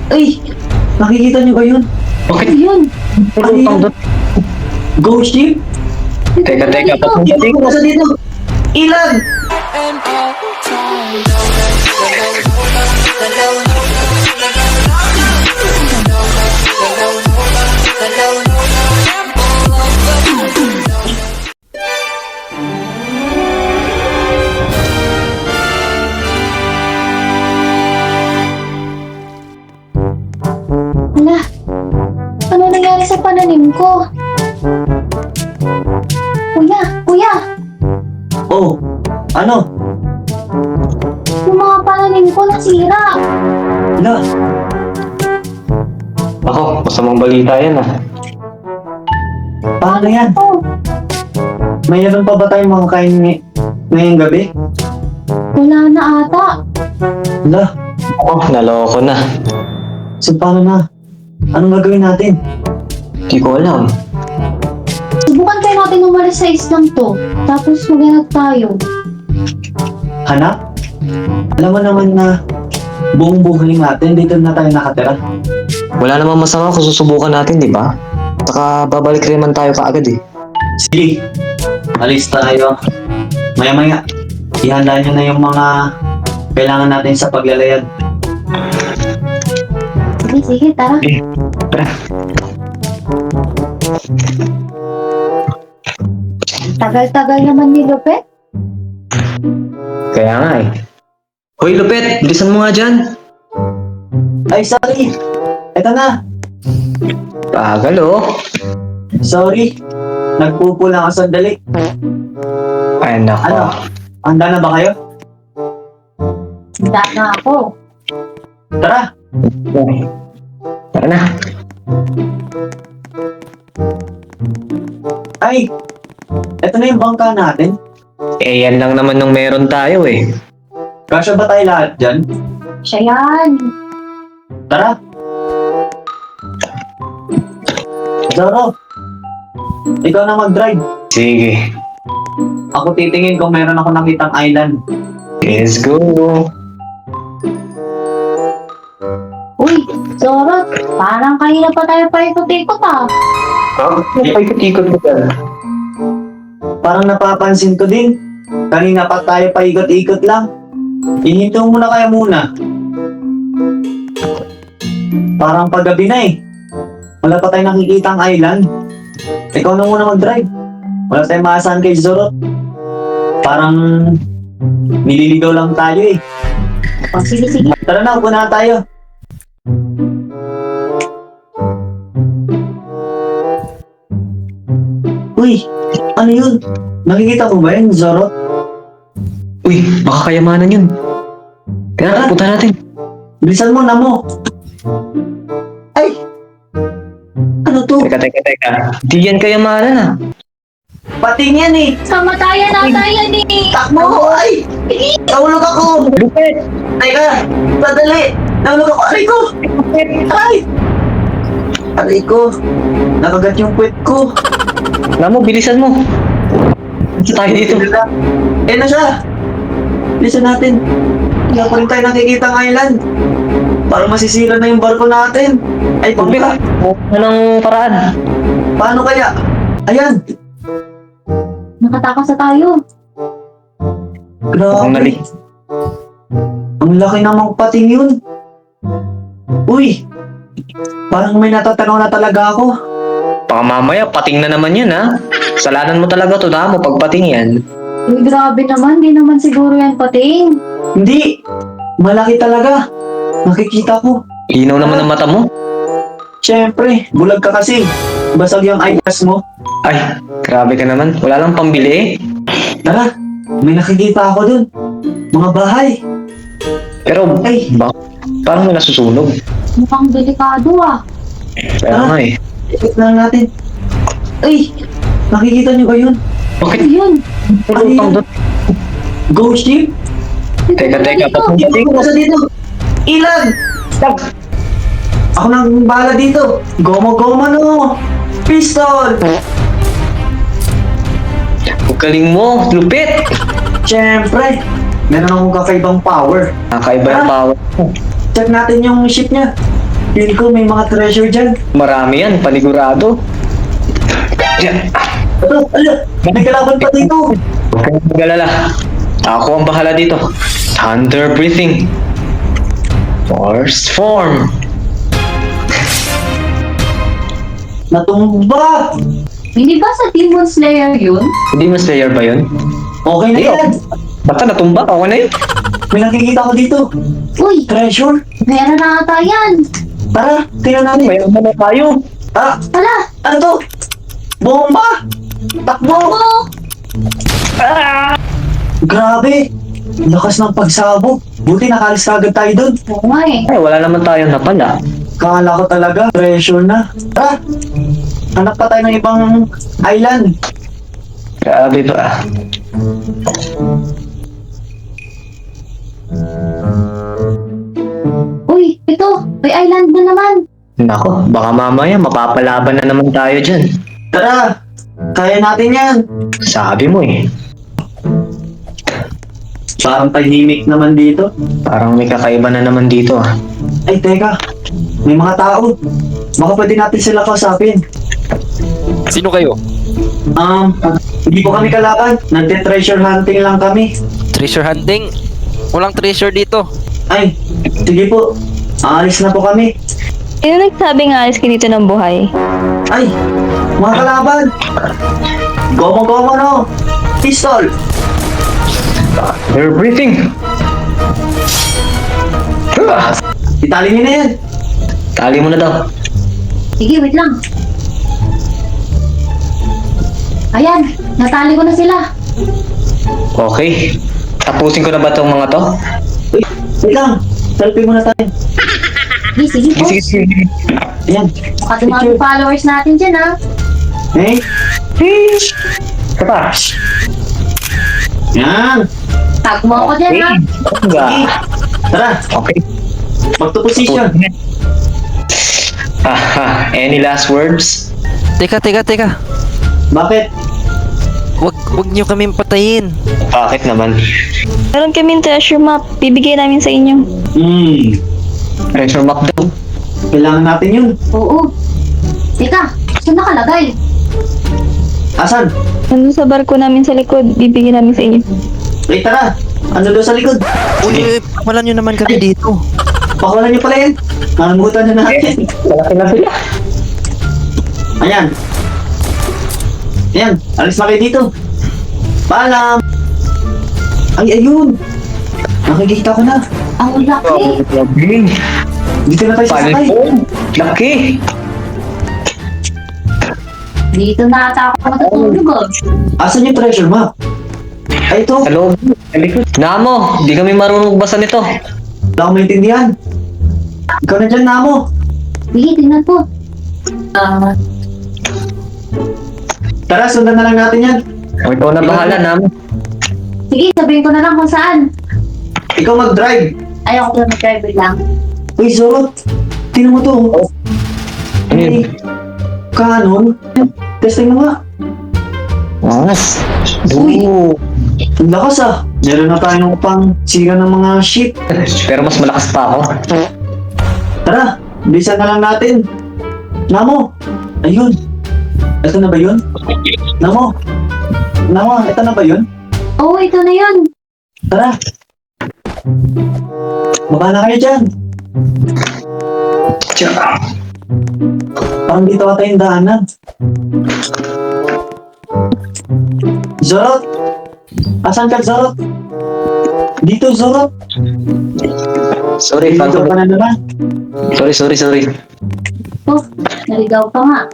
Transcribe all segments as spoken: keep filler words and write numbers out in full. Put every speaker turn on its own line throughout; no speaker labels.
Ay! Nakikita niyo ba yun?
Bakit?
Yun.
Ano yun? Ghost ship?
Teka, teka.
Dito ko nasa dito! Ilan!
Hala, ano nangyari sa pananim ko? Kuya, kuya,
Oh! Ano?
yung mga pananim ko nasira.
Wala!
Ako, masamang balita yan ah.
Paano yan?
Oh,
Mayroon pa ba tayong mga kain ngay- ngayong gabi?
wala na ata.
Wala!
Oh, naloko na.
So paano na? Anong gagawin natin?
Di ko alam.
Subukan kayo natin umalis sa islang to. Tapos maghanap tayo.
Hanap? Alam mo naman na buong buhay natin dito na tayo nakatira.
Wala namang masama kung susubukan natin, di ba? Saka babalik rin naman tayo kaagad eh.
Sige, alis tayo. Maya-maya, ihanda nyo na yung mga kailangan natin sa paglalayag.
Sige, sige, tara.
Eh, tara.
Tagal-tagal naman ni Lupet.
Kaya nga eh. Hoy, Lupet! Bilisan mo nga dyan!
Ay, sorry! Eto na!
Tagal oh.
Sorry! Nagpupula ako sandali.
Ay, nako.
Ano? Handa na ba kayo?
Handa na ako.
Tara!
Tara na.
Ay! Eto na yung bangka natin.
Eh, yan lang naman nung meron tayo eh.
Kasya ba tayo lahat dyan?
Siya yan.
Tara! Zoro! Ikaw na mag-drive.
Sige.
Ako titingin kung meron ako nakitang island.
Let's go.
Uy, Zorot, parang kanina pa tayo paikot-ikot ah.
Oh, ikot-ikot ko dyan.
Parang napapansin ko din. Kanina pa tayo paikot-ikot lang. Ihinto mo na kaya muna. Parang paggabi na eh. Wala pa tayong nakikitang island. Ikaw na muna mag-drive. Wala tayong maasahan kay Zorot. Parang nililigaw lang tayo eh.
O, sige, sige.
Tara na, upo na tayo. Uy, ano yun? Nakikita mo ba yun, Zorot?
Uy, baka kayamanan yun. Tara, punta natin.
Bilisan mo na mo. Ay! Ano to?
Teka, teka, teka. Di yan kayamanan ah.
Pating yan eh!
Kamatayan ata yan eh.
Takbo! Ay! Nahulog ako!
Lupet!
Teka! Sadali! Nahulog ako! Aray ko! Aray! Aray ko! Nakagat yung puwet ko!
Alam mo, bilisan mo. Isa tayo dito.
Eh na siya! Bilisan natin! Wala pa rin tayo nakikita ng island! Parang masisira na yung barko natin! Ay, pagka!
Anong paraan?
Paano kaya? Ayan!
Nakatakas na tayo.
Grabe!
Ang nali.
Ang laki namang pating yun! Uy! Parang may natatanaw na talaga ako!
Baka mamaya, pating na naman yan ha. Salanan mo talaga to mo pagpating yan.
Uy, grabe naman. Di naman siguro yan pating.
Hindi! Malaki talaga! Nakikita ko!
Linaw naman ang mata mo.
Siyempre, bulag ka kasi! Basag yung eyeglass mo!
Ay, grabe ka naman. Wala lang pambili eh.
Tara! May nakikita ako dun! Mga bahay!
Pero,
Ay!
ba, parang may nasusunog.
Mukhang delikado ah.
Kaya nga eh.
Ikot lang natin! Ay! Nakikita niyo ba yun?
Bakit?
Ayun.
Ano yun? Ghost ship?
Teka, teka.
Dito ko nasa dito! Ilan! Ako nang bahala dito! Gomo-gomo no! Pistol!
Ang galing mo, lupit!
Siyempre! Meron akong kakaibang power.
Nakaiba yung
Ah.
power mo.
Check natin yung ship niya. Feel ko may mga treasure dyan.
Marami yan, panigurado. Yan.
Ano? Ano? May kalaban pa dito.
Huwag kang mag-alala. Ako ang bahala dito. Thunder breathing. Force form.
Natumba!
Hindi ba sa Demon Slayer yun?
Hindi mas player ba yun?
Okay na
Hindi,
yan.
Basta natumba, ako na yun.
May nakikita ko dito.
Uy,
Treasure.
meron na ata yan.
Tara, tingnan natin.
May ano na tayo.
Ah,
Hala,
ano to? Bomba! Takbo!
oh,
Grabe! Lakas ng pagsabog. Buti nakalis ka agad tayo dun.
oo nga eh.
Ay, wala naman tayong napala.
Kala ko talaga, treasure na. Tara! Hanap pa tayo ng ibang island.
Grabe ba?
Uy, ito, may island na naman.
Nako, baka mamaya mapapalaban na naman tayo dyan.
Tara! Kaya natin yan.
Sabi mo eh.
Parang tahimik naman dito.
Parang may kakaiba na naman dito ah.
Ay, teka. May mga tao. Baka pwede natin sila kausapin.
Sino kayo?
Um, hindi po kami kalaban. Nagte-treasure hunting lang kami.
Treasure hunting? Walang treasure dito.
Ay, sige po. Aalis na po kami.
Sino nagsabing alis ka dito ng buhay?
Ay, mga kalaban. Gomo-gomo no. Pistol.
They're breathing. Ah,
Itali niyo na yan.
Tali mo na daw.
Sige, wait lang. Ayan, natali ko na sila.
Okay. Tapusin ko na ba tong mga to?
Uy, wait lang. Selfie muna tayo.
Sige, sige po.
Sige, sige, sige.
Ayan.
Baka dumami
Picture.
followers natin dyan ha.
Eh,
Ito pa.
yan.
Tag mo ako dyan ha.
Nga.
Sige. Tara,
Okay.
back to position.
Aha, any last words?
Teka, teka, teka.
Bakit?
Wag, wag niyo kaming patayin.
Bakit naman?
Meron kaming treasure map. Bibigay namin sa inyo.
Hmm,
Treasure map daw.
kailangan natin yun.
Oo. Teka, saan nakalagay?
Asan?
Nandun sa barko namin sa likod. Bibigay namin sa inyo.
Wait, tara. Ano doon sa likod?
Uy, wala niyo naman kami dito.
Pakawalan niyo pala yan. Nangutan na natin.
Malaki na sila.
Ayan. Ayan, alis na kayo dito. Paalam. Ay, ayun. Nakikita ko na.
Ang laki.
Grabe.
Dito na tayo sasakay.
Palpon. Laki.
Dito na ata ako matutulog oh.
Asan yung treasure map? Ay, ito.
Sa loob. Sa likod. Namo, di kami marunong basa nito.
Wala akong maintindihan. Ikaw na dyan, Namo.
Sige, tingnan po. Ah,
Tara, sundan na lang natin yan.
O, ikaw na bahala, Namo.
sige, sabihin ko na lang kung saan.
Ikaw mag-drive.
Ayoko lang mag-driver lang.
Uy, Zorot. Tingnan mo to.
Ano yun?
Ay, Canon. Testing mo nga.
Mas.
Uy.
Oo.
Ang lakas ah. Meron na tayong pang sira ng mga ship.
Pero mas malakas pa ako.
Tara, bilisan na lang natin. Namo. Ayun. Ito na ba yun? Namo. Namo, ito na ba yun?
Oo, ito na yun.
Tara. Baba na kayo dyan.
Tsaka.
Parang dito ata yung daanan. Zorot! Asan ka, Zorot? Dito, Zorot!
Sorry,
Dito
Phantom.
ka na naman.
Sorry, sorry, sorry.
Oh, naligaw pa nga.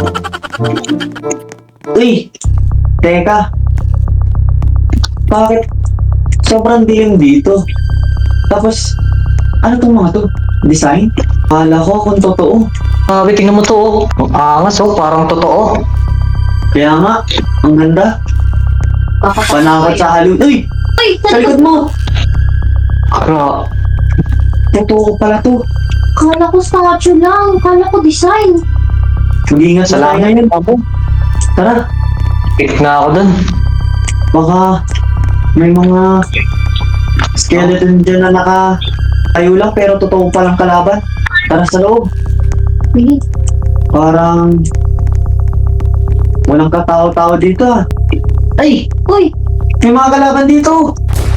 Uy! Teka. Bakit? Sobrang dilim dito. Tapos, ano tong mga to? Design? Kala ko kung totoo.
Sabi, tingnan mo to. Oh. Ang angas, oh. Parang totoo.
Kaya nga, ang ganda. Panakot sa halun. Uy!
Uy,
Sa likod mo!
Kara.
Totoo pala to.
Kala ko statue lang. Kala ko design.
Mag-iingat sa
Salamat.
ngayon. Tara,
Hit na ako dun.
baka may mga skeleton dyan na nakatayo lang pero totoo palang kalaban. Tara sa loob.
Sige.
Parang walang katao-tao dito ah. Ay!
Uy!
May mga kalaban dito!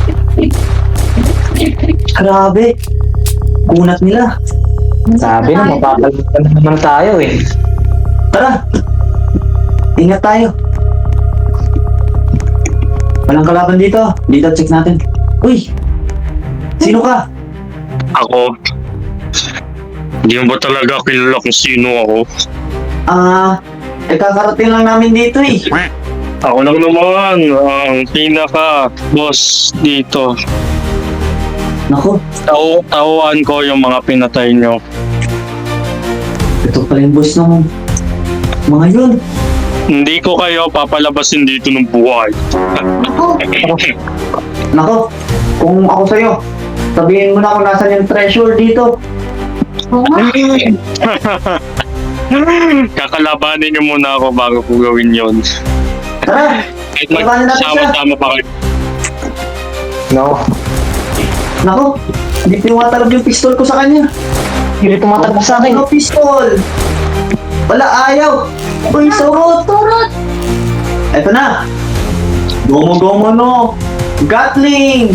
Grabe! Kunat nila.
Sabi na, mapapalitan na naman tayo eh.
Tara! Ingat tayo. Walang kalaban dito. Dito, check natin. Uy! Sino ka?
Ako? Hindi mo ba talaga kilala kung sino ako?
Ah, eh kakarating lang namin dito eh.
Ako lang naman ang pinaka-boss dito.
Naku,
Tao tauhan ko yung mga pinatay nyo.
ito pala yung boss ng mga yun.
Hindi ko kayo papalabasin dito ng buhay.
Ako!
Naku, kung ako sa'yo, sabihin mo na kung nasan yung treasure dito.
Oo nga.
Kakalabanin nyo muna ako bago ko gawin yon.
Tara!
Kahit
Labanan natin siya.
magsama-sama pa kayo.
No.
Naku, hindi tumatalab yung pistol ko sa kanya.
Hindi tumatakbo sa akin.
Ano pistol? Wala, ayaw. Uy, surot.
Turot!
Eto na. Gomo-gomo no. Gatling.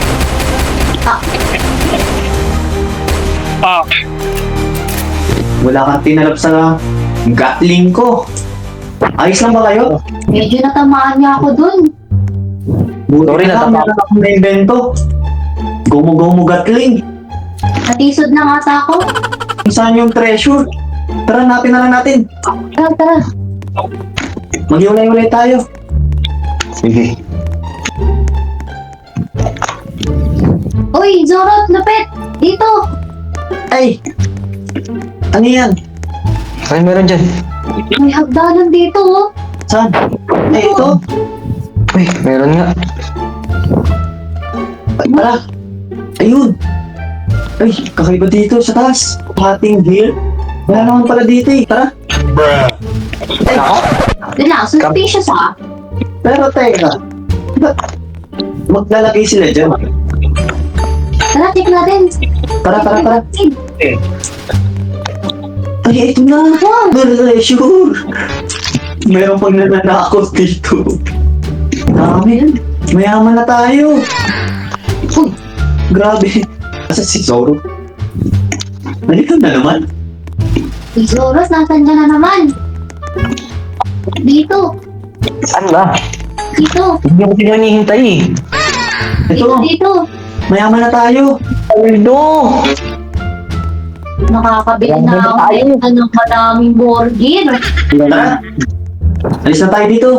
Ah,
Wala kang tinalab sa Gatling ko. Ayos lang ba kayo?
Medyo natamaan niya ako dun.
Buti
Sorry,
na lang,
natapa-
meron akong na-invento. Gomo-gomo Gatling.
Natisod na ata ako.
Kung saan yung treasure? Tara, natin na lang natin.
Tara, tara.
Mag-iulay-ulay tayo.
Sige.
Uy, Zorot, lapit! Dito!
Ay! Ano yan?
Ay, meron dyan.
May hagdanan dito, oh.
Saan? Ay, ito.
Uy, meron nga.
Ay, tara. Ayun. Ay, kakaiba dito sa taas. Hating hill. Wala naman pala dito eh. Tara. Ay,
Doon lang, suspicious ah.
pero teka. Ba't maglalagay sila dyan?
Tara, check natin.
Tara, tara, tara. Ay, ito na. Treasure. Meron pang nananakot dito. Dami. Mayaman na tayo. Uy, grabe. Asa si Zoro? Nalito na naman.
Uy, Zoros, nasan ka na naman? Dito.
Saan ba?
Dito.
Hindi ko sila hinihintay eh.
Dito,
Ito,
dito.
mayaman na tayo.
Aldo!
Nakakabili na ako
Tayo.
dito ng madaming burger.
Tara. Alis na tayo dito.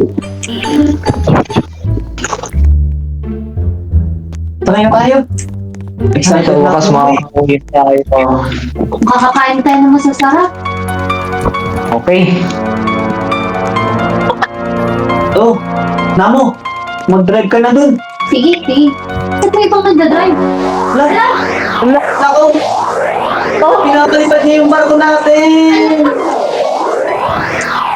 Tara na tayo. Excited
Sa
na
wakas
ako.
makakauwi tayo.
Kakakain tayo ng masasarap.
Okay.
Oh, Namo. Mag-drive ka na dun.
Sige, sige. Sa tayo itong nagdadrive.
Wala. Wala. Ako. Oh, pinapalipat niya yung barko natin.